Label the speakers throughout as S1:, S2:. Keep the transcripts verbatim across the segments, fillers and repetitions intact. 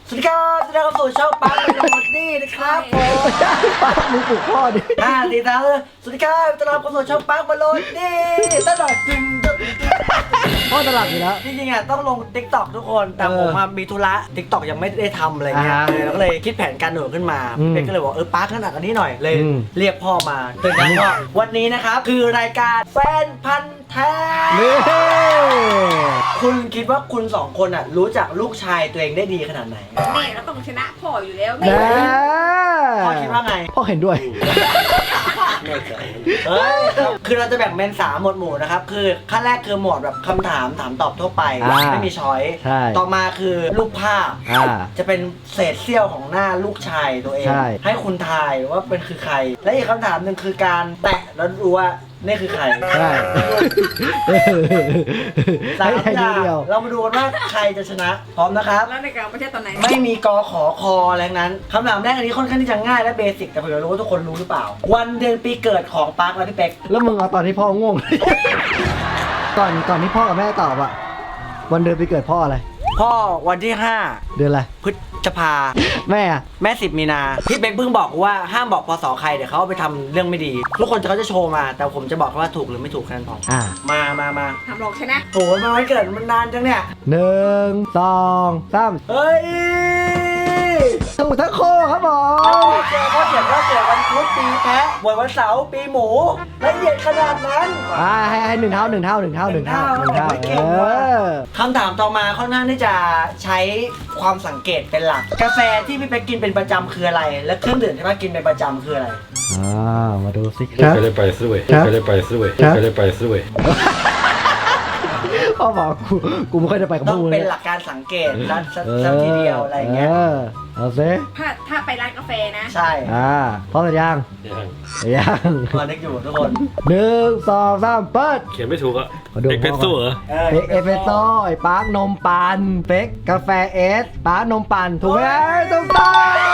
S1: สวัสดีครับจะได้เข้าสู่ช่องปั๊มเป็นหมดนี่นะครับผม
S2: ปั๊มมึงปลุกพ่อดิ
S1: อ่าดีนะสวัสดีครับจะรับเข้าสู่ช่องปั๊มเป็นหมดนี่ตลอดจริง
S2: พ่อตลับอยู่แล้ว
S1: จริงๆอ่ะต้องลง ติ๊กต็อก ทุกคนแต่ผมมามีธุระ ติ๊กต็อก ยังไม่ได้ทำอะไรเงี้ย
S2: อ่า
S1: แล้วก็เลยคิดแผนการหนูขึ้นมา
S2: อืม
S1: เป๊กก็เลยบอกเออปั๊กขนาดอันนี้หน่อยเลย
S2: อืม
S1: เรียกพ่อมาตื่นกันว่าวันนี้นะครับคือรายการแฟนพันธ์แท้
S2: นี่
S1: คุณคิดว่าคุณสองคนอ่ะรู้จักลูกชายตัวเองได้ดีขนาดไหน
S3: แม่เราต้องชนะพ่ออยู่แล้ว
S2: นะ
S1: พ่อคิดว่าไง
S2: พ่อเห็นด้วย
S1: เฮ้ยคือเราจะแบ่งเป็นสามหมวดหมู่นะครับคือขั้นแรกคือหมวดแบบคำถามถามตอบทั่วไป
S2: อ่า
S1: ไม่มีช้อย
S2: ใช่
S1: ต่อมาคือรูปภาพ
S2: อ่า
S1: จะเป็นเศษเสี้ยวของหน้าลูกชายตัวเอง
S2: ใช่
S1: ให้คุณทายว่าเป็นคือใคร และอีกคำถามหนึ่งคือการแตะแล้วรู้ว่านี่คือใคร
S2: ใช่
S1: สาม
S2: ให้
S1: อ
S2: ดู
S1: ย่าง
S2: เดียว
S1: เรามาดูกันว่าใครจะชนะพร้อมนะครับ
S3: แล้วในการประเทศตอนไหน
S1: ไม่มีกอขอคออะไรทั้งนั้นคำถามแรกอันนี้ค่อนข้างที่จะง่ายและเบสิกแต่ผมอยากรู้ว่าทุกคนรู้หรือเปล่า วันเดือนปีเกิดของปาร์คและพี่เป๊ก
S2: แล้วมึงเอาตอนที่พ่อง่วง ก่อนก่อนที่พ่อกับแม่ตอบอะวันเดือนปีเกิดพ่ออะไร
S1: พ่อวันที่ห้า
S2: เดือนอะไร
S1: พฤษภา
S2: แม่อะ
S1: แม่สิบมีนาพี่เป๊กเพิ่งบอกว่าห้ามบอกพศใครเดี๋ยวเขาเอาไปทำเรื่องไม่ดี ทุกคนจะเขาจะโชว์มา แต่ผมจะบอกว่าถูกหรือไม่ถูกแค่นั้นพอ
S2: อ่า
S1: มามามา
S3: ทำหลอกชนะ
S1: โหมาวันเกิดมันนานจังเนี่ย
S2: หนึ่งสองสาม
S1: เฮ้ย
S2: ถูกทั้งโคครับผม
S1: เจอพ่อเขียนว่าเกิดวันพุธปีแพะบวชวันเสาร์ปีหมูละเอียดขนาดนั้น
S2: อ่าให้ให้หนึ่งเท่าหนึ่งเท่าหนึ่งเท่าหนึ่งเท่าหนึ่งเท่า
S1: ไม่เก่
S2: เอง
S1: ว่ะ
S2: อ
S1: คำถามต่อมาค่อนข้างที่จะใช้ความสังเกตเป็นหลัก กาแฟที่พี่เป๊กกินเป็นประจำคืออะไร และเครื่องดื่มที่ป้ากินเป็นประจำคืออะไร
S2: อ่ามาดูสิครับ
S4: ไปเลยไปซื้อเว้ย
S2: ครับ
S4: ไปเลยไปซื้อเว้ย
S2: ครับ
S4: ไปเลยไปซื้อเว้ย
S2: พ่อบอกกูกูไม่ค่อยได้ไปกับ
S1: ต้
S2: พ
S1: อ
S2: ว
S1: ง
S2: กมึง
S1: เป็น
S2: ย
S1: หลักการสังเกตสักสักสักทีเดียวอะไรอย่างเงี้ย
S2: ออเอาซิ
S3: ถ้าถ้าไปร้านกาแฟนะ
S1: ใช่
S2: อ่าพร้อมหรือยัง
S4: ยัง
S2: ยัง
S1: มานึกอยู่ทุกคน
S2: หนึ่งสองสามเปิด
S4: เขียนไม่ถูกอะ
S2: ขอดู
S4: เอ็กเพรสโซ่เหรอ
S1: เออ
S2: เป๊กเอสเปรสโซ่ไอ้ปาร์คนมปั่นเป๊กกาแฟเอสปาร์คนมปั่นถูกไหมถูกต้อง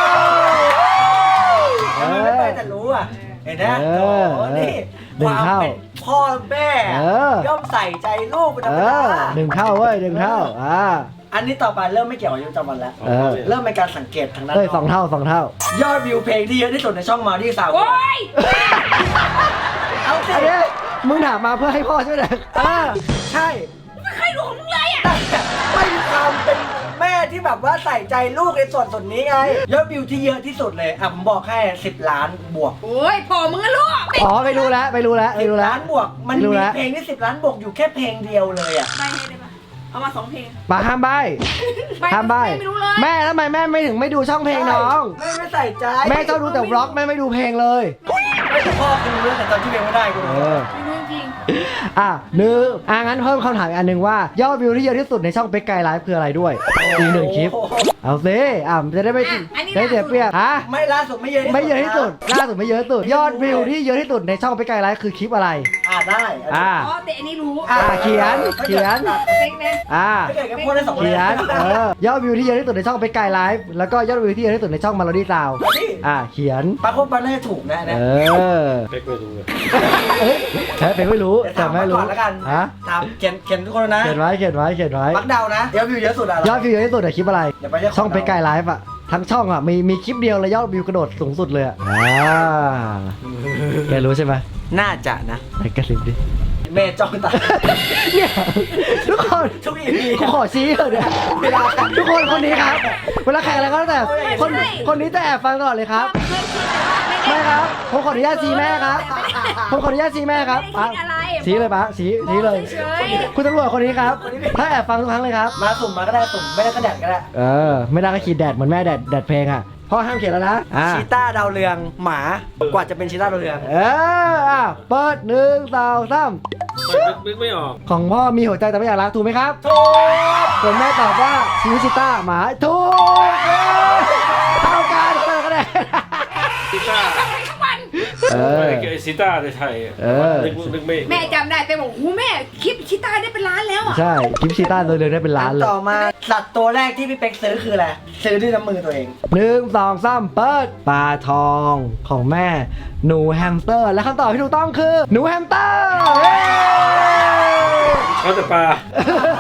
S1: ทำไมไม่ไปแต่รู้อ่ะ เห็นไหม
S2: เอ
S1: โอ้
S2: อ
S1: โหนี่
S2: หนึ่
S1: ค
S2: ง
S1: วาม
S2: เท่า
S1: เป็นพ่อแม่
S2: เออย่
S1: อมใส่ใจลูกเป็นธร
S2: เอ
S1: รมดา
S2: อหนึ่งเท่าเว้ยหนึ่งเท่าอ่า
S1: อันนี้ต่อไปเริ่มไม่เกี่ยวกับอายุประจำวันแล้ว
S2: เออ
S1: เริ่มเป็นการสังเกตทางด้าน
S2: เฮ้ยสองเท่าสองเท่า
S1: ยอดวิวเพลงที่เยอะที่สุดในช่องมาที่สาว
S3: โอ้ย
S1: เอาสิ
S2: อันนี้มึงถามมาเพื่อให้พ่อใช่ไหม
S1: เออใช่
S3: ไม่เคยดูของมึงเลยอ่ะ
S1: แต่ไม่มีความเป็นแม่ที่แบบว่าใส่ใจลูกในส่วนส่วนนี้ไง ยอดวิวที่เยอะที่สุดเลย อ่ะผมบอกแค่สิบล้านบวก
S3: โอ้ยพ่อมึงอะลูกไม่
S2: อ๋อไปดูแล้วไปดูแล้วไป
S1: สิบ
S2: ดูแล้ว
S1: ล้านบวก มัน
S2: ไม่รู้
S1: มี
S2: แล้ว
S1: เพลงที่สิบล้านบวกอยู่แค่เพลงเดียวเลยอ่ะ
S3: ให้ได้ปะเอามาสองเพลง
S2: ปาห้ามใบ
S3: ใบ
S2: ห้ามใบ
S3: ไม่รู้เลย
S2: แม่ทำไมแม่ไม่ถึงไม่ดูช่องเพลงน้อง
S1: ไม่ไม่ใส่ใจ
S2: แม่ชอบดูแต่วล็อกแม่ไม่ดูเพลงเลย
S1: ไม่แต่พ่อคือรู้เรื่องแต่ตอนที่เพลงไม่ได้กู
S2: เอ
S1: รู้
S2: อ
S3: ไม่รู้จริง
S2: อ่ะหนึ่งอ่ะงั้นเพิ่มคำถามอีกอันหนึ่งว่ายอดวิวที่เยอะที่สุดในช่องเป็กไกด์ไลฟ์คืออะไรด้วยอีกหนึ่งคลิป เอาซิอ่ะจะได้ไม่ได้เสียเปรียบฮะ
S1: ไม่ล่าสุดไม่เยอะที่สุด
S2: ไม่เยอะที่สุดล่าสุดไม่เยอะที่สุด ยอดวิวที่เยอะที่สุดในช่องเป็กไกด์ไลฟ์คือคลิปอะไร
S1: อ่าได้
S2: อ่า
S3: อ๋อแต่อันนี้รู้
S2: อ่ะเขียนเขียน
S3: เป๊กนะ
S2: อ่า
S1: ไม่เกิดกับพูดได้สองคน
S2: เขียนเออยอดวิวที่เยอะที่สุดในช่องเป็กไกด์ไลฟ์แล้วก็ยอดวิวที่เยอะที่สุดในช่องมาโลดี้ซาว
S1: นี่
S2: อ่าเขียน
S1: ปาโคปันน่าจะถูกนะนะ
S2: เออ
S4: เป๊กไม่รู้เลย
S2: เอ้ยแพ้เป็นไม่รู้
S1: เดี๋ยว
S2: แต่
S1: ถาม
S2: ไม่
S1: มา
S2: รู้
S1: ก่อนแล้วกัน
S2: ฮะ
S1: ถามเขียนเขียนทุกคนนะ
S2: เขียนไว้เขียนไว้เขียนไว้
S1: ปักเดานะยอดวิวเยอะสุดอะ
S2: ยอดวิวเยอะที่สุดในคลิปอะไร
S1: เดี๋ยวไปเรียก
S2: ช่องเป็กไกด์ไลฟ์อะทั้งช่องอะมีมีคลิปเดียวเลยยอดวิวกระโดดสูงสุดเลยอะอ่าแกรู้ใช่ไหม
S1: น่าจะนะ
S2: ไหนกระซิบดิ
S1: เมย์จ้องตา
S2: เนี่ยทุกคน
S1: ทุกอีพี
S2: กูขอชี้เถอะเนี่ย
S1: เวลา
S2: ทุกคนคนนี้ครับเวลาแข่งอะไรก็แล้วแต่คนคนนี้จะแอบฟังตลอดเลยครับ
S3: เคยคิดแต่ว่าไม่ได้
S2: ไม่ครับผมขออนุญาตชี้แม่ครับผมขออนุญาตชี้แม่ครับ
S3: ไม่ได้คิดอะไร
S2: ชี้เลยปะชี้ชี้เลย
S3: เฉย
S2: คุณตำรวจคนนี้ครับถ้าแอบฟังทุกครั้งเลยครับ
S1: มาสุ่มมาก็ได้สุ่มไม่ได้ก็แดดก็ได้
S2: เออไม่ได้ก็ขีดแดดเหมือนแม่แดดแดดเพลงอ่ะพ่อห้ามเขียนแล้วนะอ่า
S1: ชีต้าดาวเรืองหมากว่าจะเป็นชีต้าดาวเรือง
S2: เอออ่ะเปิดหนึ่งสองสาม
S4: นึกไม่ออก
S2: ของพ่อมีหัวใจแต่ไม่อยากรักถูกไหมครับ
S1: ถูก
S2: ส่วนแม่ตอบว่าชิวิชิต้าหมาถูกเอ้ยเท่ากันเท่ากันได้
S4: ซิต้า
S3: ทำไมทุกวัน
S2: เออ
S4: ไอ้ซิต้าในไทยอะ
S2: เออ
S4: นึกนึกไม่
S3: แม่จำได้แต่บอกโอ้แม่คลิปชิต้าได้เป็นล้านแล้วอ่ะ
S2: ใช่คลิปชิต้าตัวเรืองได้เป็นล้านเลย
S1: ต่อมาสัตว์ตัวแรกที่พี่เป็กซื้อคืออะไรซื้อด้วยน้ำมือตัวเอง
S2: หนึ่งสองสามเปิดปลาทองของแม่หนูแฮมสเตอร์และคำตอบที่ถูกต้องคือหนูแฮมสเตอร์เย้
S4: เขาแต่ปลา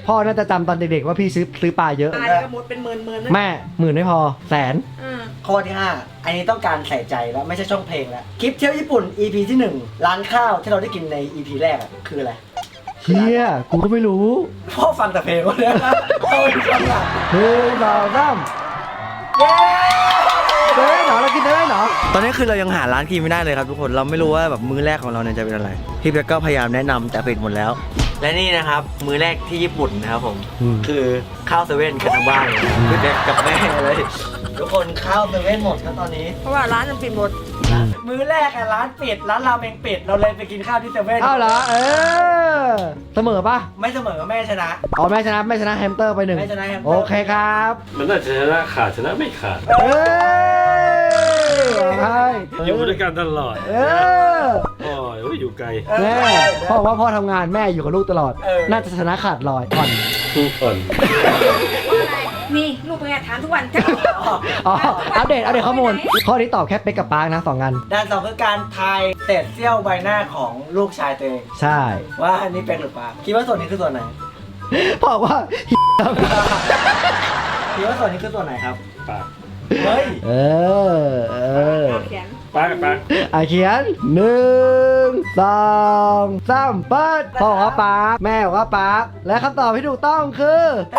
S2: พ่อน่าจะจำตอนเด็กๆว่าพี่ซื้อซื้อปลาเยอะ
S3: ตายก็หมดเป็นหมื่นหมื่นๆนะ
S2: แม่หมื่นไม่พอแสน
S3: อืม
S1: ข้อที่ห้าอันนี้ต้องการใส่ใจแล้วไม่ใช่ช่องเพลงแล้วคลิปเที่ยวญี่ปุ่น อี พี ที่หนึ่งร้านข้าวที่เราได้กินใน อี พี แรกอะคืออะไร
S2: เฮียกูก็ไม่รู้
S1: พ่อฟังแต่เพลงวะเนี่ยพ่อไม่ฟังอะ
S2: หนึ่งสองสาม
S1: เย้
S2: เด้เหรอเรากินได้เหรอ
S1: ตอนนี้คือเรายังหาร้านกินไม่ได้เลยครับทุกคนเราไม่รู้ว่าแบบมื้อแรกของเราเนี่ยจะเป็นอะไรพี่เป๊กก็พยายามแนะนำแต่ปิดหมดแล้ว และนี่นะครับ มื้อแรกที่ญี่ปุ่นนะครับผม
S2: อืม
S1: คือข้าวเซเว่นกันทั้งบ้านเลยพี่เป๊กกับแม่เลยทุกคนข้าวเซเว่นหมดครับตอนนี้
S3: เพราะว่าร้านมันปิดหมด
S1: มื้อแรกอะร้านปิดร้านราเมงปิดเราเลยไปกินข้าวที่เซเว่น
S2: อ้าวเหรอเออเสมอปะ
S1: ไม่เสมอแม่ชนะ
S2: อ๋อแม่ชนะแม่ชนะแฮมสเตอร์ไปหนึ่ง
S1: แม่ชนะแฮมสเตอร์
S2: โอเคครับ
S4: มันน่าจะชนะขาดชนะไม่ขาด
S2: เอ้ยใช่
S4: อยู่ด้วยกันตลอด
S2: เออ
S4: โอ้ยอยู่ไกล
S2: แม่พ่อบอกว่าพ่อทำงานแม่อยู่กับลูกตลอด
S1: เออ
S2: น่าจะชนะขาดลอยอ่อน
S4: ทุกคน
S3: นี่ลูกเป็นไงถามทุกวันจะ
S2: อ๋ออัปเดตอัปเดตข้อมูลข้อนี้ตอบแค่เป๊กกับปาร์คนะสองงาน
S1: ด้านสองคือการทายเศษเสี้ยวใบหน้าของลูกชายตัวเอง
S2: ใช่
S1: ว่าอันนี้เป็นหรือเปล่าคิดว่าส่วนนี้คือส่วนไหน
S2: พ่อบอกว่า
S1: คิดว่าส่วนนี้คือส่วนไหนครับ
S4: ปาก
S1: เฮ้ย
S2: เออเออ
S3: เขียน
S4: ปากปาก
S2: อ่ะเขียนหนึ่งสองสามเปิดพ่อบอกว่าปาร์คแม่บอกว่าปาร์คและคำตอบที่ถูกต้องคือ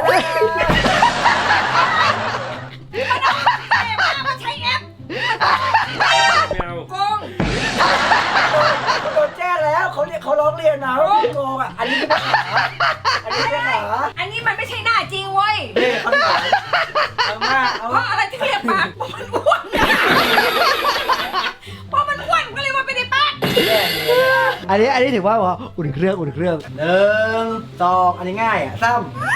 S3: มาใช้แอป
S4: ไม่เอา
S3: โกง
S1: โดนแจ้งแล้วเขาเรียกเขาร้องเรียนนะว่าโกงอ่ะอันนี้เป็นขาอันนี้เป็นขา
S3: อันนี้มันไม่ใช่หน้าจริงเว้ย
S1: เฮ้ยเขาถามเอามาเอา
S3: เพราะอะไรที่เรียกปากเพราะมันอ้วนเพราะมันอ้วนก็เลยว่าไม่ได้ปาก
S2: อันนี้อันนี้ถือว่าว่าอุ่นเครื่องอุ่นเครื่อง
S1: หนึ่งสองอันนี้ง่ายอ่ะซ้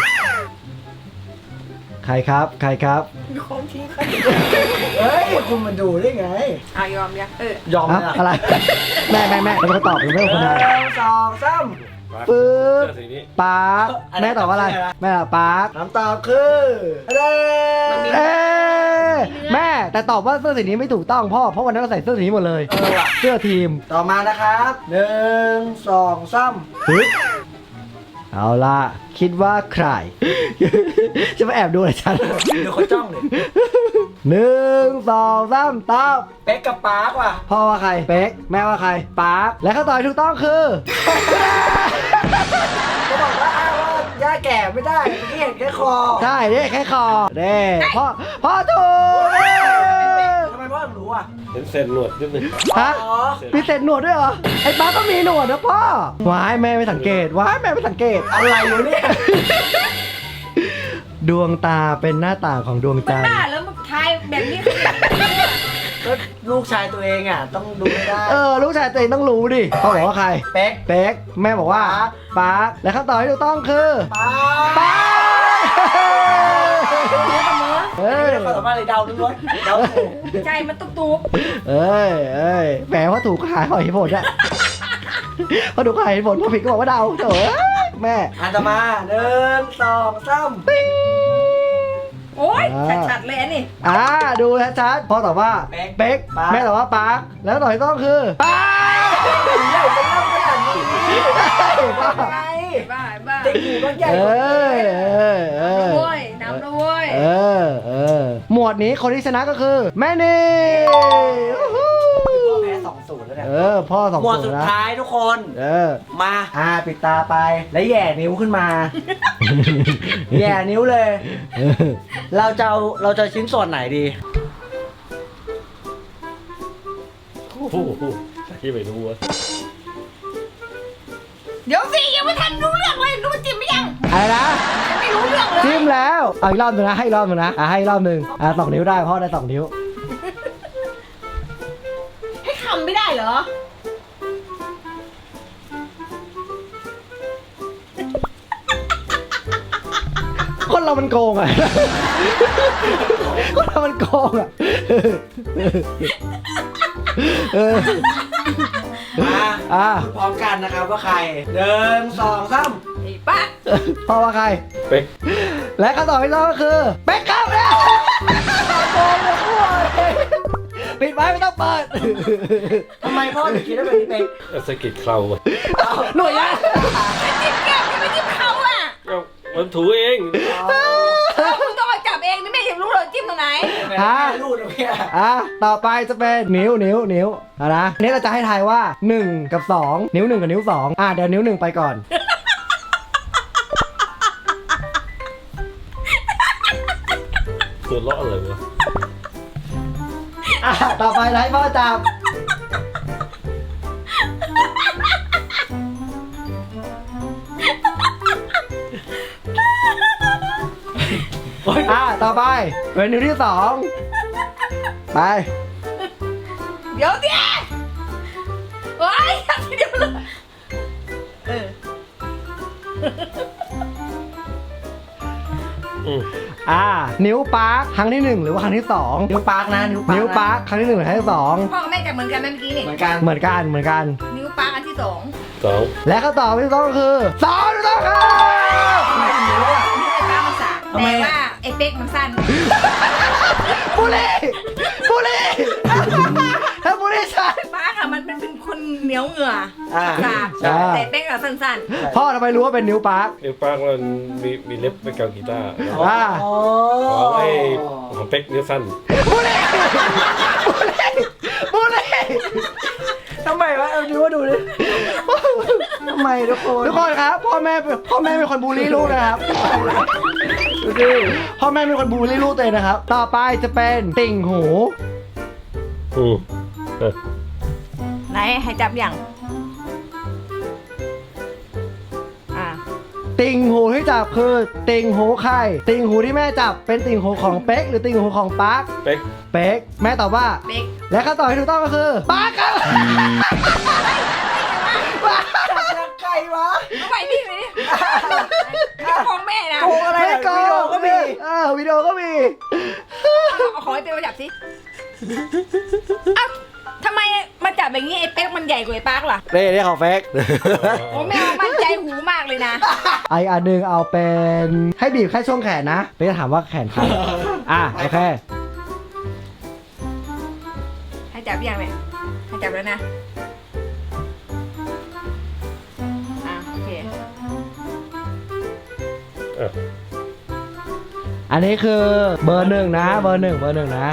S2: ใครครับใครครับ
S3: มีของทิ้ง
S1: ำเฮ้ยคุณมาดูได้ไง
S3: อ่ะยอมยังเออย
S1: อม
S2: อะ
S1: เลย
S2: อะไรแม่แม่แม่เป็นคนตอบหรือไม่เป็นคน
S1: ห
S2: ทาย
S1: นึ่งสองสาม
S4: ปาก
S2: ปึ๊บ
S4: เสื้อสีนี้
S2: ปาร์คแม่ตอบว่าอะไรแม่ตอบปาร์ค
S1: คำตอบคืออะไร
S2: เอ๊ะแม่แต่ตอบว่าเสื้อสีนี้ไม่ถูกต้องพ่อเพราะวันนั้นเราใส่เสื้อสีนี้หมดเลย
S1: เออว่ะ
S2: เสื้อทีม
S1: ต่อมานะครับหนึ่งสองสาม
S2: ปึ๊บเอาล่ะคิดว่าใคร จะมาแอบดูอะไรฉัน
S1: เดี๋ยวเขาจ้องเลย
S2: หนึ่งสองสามตอบ
S1: เป๊กกับปาร์คว่ะ
S2: พ่อว่าใครเป๊กแม่ว่าใครปาร์คและคำตอบที่ถูกต้องคือ
S1: จะบอกว่าอ้างว่าย่าแก่ไม่ได้เมื่อกี้เห็นแค่คอ
S2: ใช่เด้แค่คอเด้พ่อพ่อถูก
S1: ทำไมพ่อถึงรู้อ่ะ
S4: เห็นเส้นหนวดนิดนึง
S2: ฮะ
S1: อ๋อ
S2: มีเศษหนวดด้วยเหรอไอ้ปาร์คก็มีหนวดนะพ่อว้ายแม่ไม่สังเกตว้ายแม่ไม่สังเกต
S1: อะไรอยู่เนี่ย
S2: ดวงตาเป็นหน้าต่างของดวง
S3: มัน
S2: จันท
S3: หน้า
S2: ร์
S3: แล้วมันทายแบบนี้
S1: ก็ลูกชายตัวเองอ่ะ ต้องดูไม่ได้
S2: เออลูกชายตัวเองต้องรู้ดิพ่อบอกว่าใคร
S1: เป๊ก
S2: เป๊กแม่บอกว่า
S1: ปาร์ค
S2: ปาร์คและคำตอบที่ถูกต้องคือ
S1: ปาร์ค
S2: ปาร์ค
S1: เฮ้ยความสามารถเลยเดาล้วนๆเดาถูก
S3: ใจมันตุ๊บตุ๊บ
S2: เอ้ยเอ้ยแหมว่าถูกหาหอยผลอะพอถูกหายผลพอผิดก็บอกว่าเดาเถอะแม่
S1: อันต่อมาหนึ่งสองสาม
S3: โอ๊ยชัดๆเลยอันนี้
S2: อ่าดูชัดๆพ่อตอบว่าเป๊กแม่ตอบว่าปาร์คแล้วคำตอบที่ต้องคือปาร์ค
S1: ใหญ่เป็นเล่าขนาดนี้ไง
S3: บ้าบ้า
S1: เด็กอยู่ก็ใหญ่
S2: เอก
S1: ว่า
S2: อเออเออ
S3: เว้ยน้ำด้วย
S2: เออเออหมวดนี้คนที่ชนะก็คือแม่นี่
S1: พ่อแพ้สองศูนย์แล้วเนี่ย
S2: เออพ่อสอง
S1: หมวด
S2: คน
S1: สุด
S2: นะ
S1: ท้ายทุกคน
S2: เออ
S1: มา อ่าปิดตาไป แล้วแหย่นิ้วขึ้นมา แหย่นิ้วเลย
S2: เออ
S1: เราจะเอาเราจะชิ้นส่วนไหนดี
S4: โอ้โหที่ไม่รู้วะ
S3: เดี๋ยวสิยังไม่ทันรู้เรื่องเลยรู้จิ้มไม่ยัง
S2: อะไรนะ
S3: ยังไม่รู้เรื่องเลย
S2: จิ้มแล้วเอาอีกรอบหนึงนะให้อีกรอบหนึงนะอ่ะให้อีกรอบหนึงอ่ะสองนิ้วได้พ่อได้สองนิ้ว
S3: ให้คำไม่ได้เหรอ
S2: คนเรามันโกงอ่ะ คนเรามันโกงอ่ะเออ
S1: มา
S2: อ่ะ
S1: พูดพร้อมกันนะครับว่าใครหนึ่งสองสาม
S3: ไอ้ป้า
S2: พ่อว่าใคร
S4: เป๊ก
S2: และคำตอบที่ต้องก็คือเป๊กครับเนี่ยโกงเลยพ่อปิดไว้ไม่ต้องเปิด
S1: ทำไมพ่อถึงคิดว่าเป็นพี่เป๊ก
S4: เอาสะกิดเคราอะ
S2: หน่วยยะ
S3: จิ้มแก้มจะไปจิ้มเขาอ่ะ
S4: เอาวมันถูเอง
S3: แล้วมึงต้องมาจับเองนี่ไม่เห็นรู้เลยจิ้มตรงไหน
S2: อ่ะ
S1: รูดนะพี่
S2: อ่ะต่อไปจะเป็นนิ้วนิ้วนิ้วเอานะนี่เราจะให้ทายว่าหนึ่งกับสองนิ้วหนึ่งกับนิ้วสองอ่ะเดี๋ยวนิ้วหนึ่งไปก่อน
S4: ตัวเลาะอะไรวะ
S2: อ่ะต่อไปให้พ่อจับอ่ะต่อไปเป็นนิ้วที่สองไป
S3: เดี๋ยวเดี๋ยวโอ้ยทีเดียวเลยเออ
S4: อืม
S2: อ่านิ้วปาร์คครั้งที่หนึ่งหรือว่าครั้งที่สอง
S1: นิ้วปาร์กนะนิ้วปาร์ก
S2: นิ้วปาร์คครั้งที่หนึ่งหรือครั้งที่สอง
S3: พ่อกับแม่จับเหมือนกันไหมเมื่อกี้นี่
S1: เหมือนกัน
S2: เหมือนกันเหมือนกัน
S3: นิ้วปากอันที่สอง
S4: สอง
S2: และคำตอบที่ต้องก็คือสองถูกต้องครับ
S3: นิ้วไอ้ปากมันสากแต่ว่าไอ้เป๊กมันสั้น
S2: บุรีบุรีถ้าบุรีชัน
S3: ปากอะมันเป็นเป็นคนเหนียวเหงื่อ
S1: อ่า
S3: สาก
S2: ใช่
S3: แต่เป๊กอะสั้น
S2: พ่อทำไมรู้ว่าเป็นนิ้วปาร์ค
S4: เดี๋ยวป้ามันมีมีเล็บไปเกากีตาร์
S2: ว่า
S1: โอ้
S4: ของไอ้ของเป๊กนิ้วสั้น
S2: บุรีบุรี
S1: ทำไมวะเอาดูว่าดูดิทำไมทุกคน
S2: ทุกคนครับพ่อแม่พ่อแม่เป็นคนบูลลี่ลูกนะครับดูดิพ่อแม่เป็นคนบูลลี่ลูกตัวเองนะครับ ต่อไปจะเป็นติ่งหู
S4: อืมเออ
S3: ๆไหนให้จับอย่างอ่า
S2: ติ่งหูที่จับคือติ่งหูใครติ่งหูที่แม่จับเป็นติ่งหูของเป๊กหรือติ่งหูของปาร์ค
S4: เป๊ก
S2: เป๊กแม่ตอบว่า
S3: เป๊ก
S2: และคำตอบที่ถูกต้องก็คือปาร์คครับ
S1: จากใครวะ
S3: เอาไปนี่ไปนี่นี่ของแม่นะ
S1: โกงอะไร
S2: ไม่
S1: อะ
S2: โก
S1: วิดีโอก็มี
S2: เออวิดีโอก็มี
S3: เอาขอให้เป๊กมาจับสิเอ้าทำไมมาจับอย่างนี้ไอ้เป๊กมันใหญ่กว่าไอ้ปากล่ะ
S2: เร่เร่ของเฟก
S3: โอ้แม่มั่นใจหูมากเลยนะ
S2: ไออันหนึ่งเอาเป็นให้บีบแค่ช่วงแขนนะเป๊กจะถามว่าแขนใครอ่ะโอเค
S3: ให้จับยังเนี่ยให้จับแล้วนะอ่ะโอเค
S4: เออ
S2: อันนี้คือเบอร์หนึ่งนะ เบอร์หนึ่งเบอร์หนึ่งนะ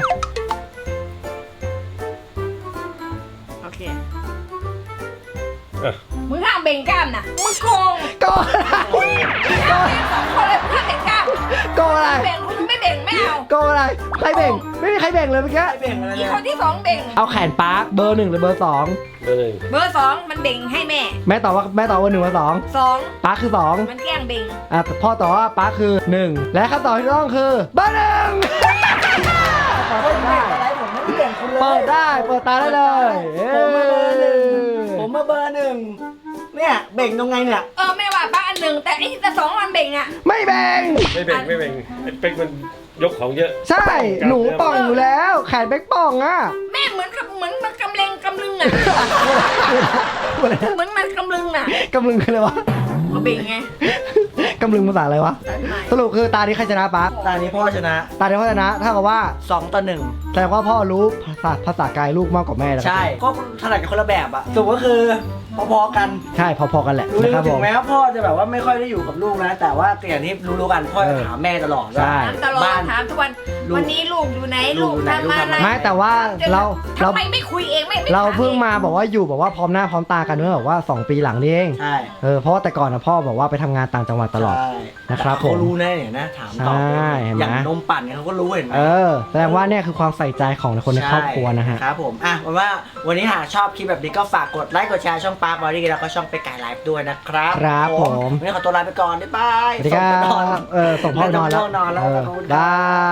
S3: โอเค
S4: อ่ะ
S3: มึงห้ามเบ่งกล้ามนะมึงโกง
S2: โกงอะไร
S3: ห้ามเบ่งสองคนเลยมึงห้ามเบ่งกล้าม
S2: โกงอะไร
S3: เบ่งคุณไม่เบ่งไม่เอา
S2: โกงอะไรใครเบ่งไม่มีใครเบ่งเลยเมื่อกี้
S1: ไอเบ่งอะไร
S3: อีก
S1: เนี่ย
S3: คนที่สองเบ่ง
S2: เอาแขนปาร์คเบอร์หนึ่งหรือเบอร์สอง
S4: เบอร์หนึ่ง
S3: เบอร์สองมันเบ่งให้แม่
S2: แม่ตอบว่าแม่ตอบว่าหนึ่งเบอร์สอง
S3: สอง
S2: ปาร์คคือสอง
S3: มันแกล้งเบ่ง
S2: อ่ะแต่พ่อตอบว่าปาร์คคือหนึ่งและคำตอบที่ถูกต้องคือเบอร์หนึ่ง
S1: ผมไม่อะไรผมไม่เบ่งคุณเลย
S2: เปิดได้เปิดตาได้เลยเอ้
S1: ผมมาเบอร์หนึ่ง
S2: ย
S1: ผมมาเบอร์หนึ่งเนี่ยเบ่งตรงไงเนี่ย
S3: เออแม่ว่าป้าอันหนึ่งแต่ไอ้แต่สองมันเบ่งอ่ะ
S2: ไม่แบ่ง
S4: ไม่เบ่งไม่เบ่งไอ้เป๊กมันยกของเยอะ
S2: ใช่หนูป่องอยู่แล้ว แขนเบ๊กป่องอ่ะ
S3: แม่เหมือนกับเหมือนมันกำเลงกำลึงอ่ะเหมือนมันกำลึงอ่ะ
S2: กำลึงคืออะไรวะ
S3: ก็เบ่งไง
S2: กำลึงภาษาอะไรวะ
S3: สายไหม
S2: สรุปคือตานี้ใครชนะปะ
S1: ตอนนี้พ่อชนะ
S2: ตานี้พ่อชนะถ้ากับว่า
S1: สองต่อหนึ่ง
S2: แสดงว่าพ่อรู้ภาษาภาษากายลูกมากกว่าแม่แล้ว
S1: ใช่ก็ถนัดกันคนละแบบอะสรุปก็คือพอๆกัน
S2: ใช่พอๆกันแหละ
S1: รู้
S2: นะครับผ
S1: ถึ
S2: ม
S1: งแม้ว่าพ่อจะแบบว่าไม่ค่อยได้อยู่กับลูกนะ แต่ว่าอย่างที่รู้ๆกันพ่อจะ
S2: เออ
S1: ถามแม่ตลอด
S2: ใช่
S1: ว่า
S3: ถามตลอด
S1: บ้าน
S3: ถามทุกวัน
S1: ลูก
S3: วันนี้ลูกอยู่ไหน
S1: ลู
S3: ลู
S1: ก
S3: ก
S1: อยู่ไหน
S3: ทำอะไร
S1: ลูกทำอะไร
S2: ไม่แต่ว่าเราเรา
S3: ทำไมไม่คุยเองไม่ไม่
S2: เรา
S3: ถ
S2: เพิ่ง
S3: อ
S2: มาบอกว่าอยู่บอกว่าพร้อมหน้าพร้อมตากันเมื่อแบบว่าสองปีหลังนี่เอง
S1: ใช่
S2: เออเพราะว่าแต่ก่อนนะพ่อบอกว่าไปทำงานต่างจังหวัดตลอด
S1: ใช่
S2: นะครับ
S1: แต่เขา
S2: ผม
S1: รู้แน่เนี่ยนะถามตอบ
S2: ใช่เห็นไหม
S1: อย่างนมปั่นเนี่ยเขาก็รู้เห็นไหม
S2: เออแสดงว่าเนี่ยคือความใส่ใจของคนในครอบครัวนะฮะ
S1: ใช่ครับผมอ่ะวันว่าวันนี้หากชอบคลิปแบบนี้ก็ฝากกดไลค์กดแชร์ช่องปาร์คบอดี้แล้วก็ช่องไปไก่ไลฟ์ด้วยนะครับ
S2: ครับผม
S1: วันนี้ขอตัวลาไปก่อนบ๊ายบาย
S2: สวัสดีครั
S1: ส่งไปนอน
S2: บเออส่งพ่อนอนแล้ว
S1: ส่งพ่อนอนแล้ว
S2: เออ
S1: ขอบคุณครับ
S2: ได้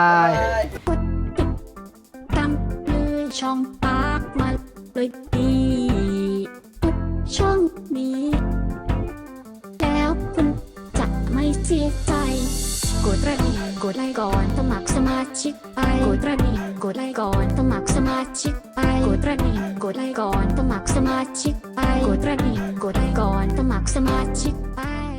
S5: ตามเลยช่องปากมาเลยดีทุกช่องนี้ แล้วคุณจะไม่เสียใจ กดกระดิ่งกดไลค์ก่อนสมัครสมาชิกไปกดกระดิ่งกดไลค์ก่อนสมัครสมาชิกไปกดกระดิ่งกดไลค์ก่อนสมัครสมาชิกไปกดกระดิ่งกดไลค์ก่อนสมัครสมาชิกไป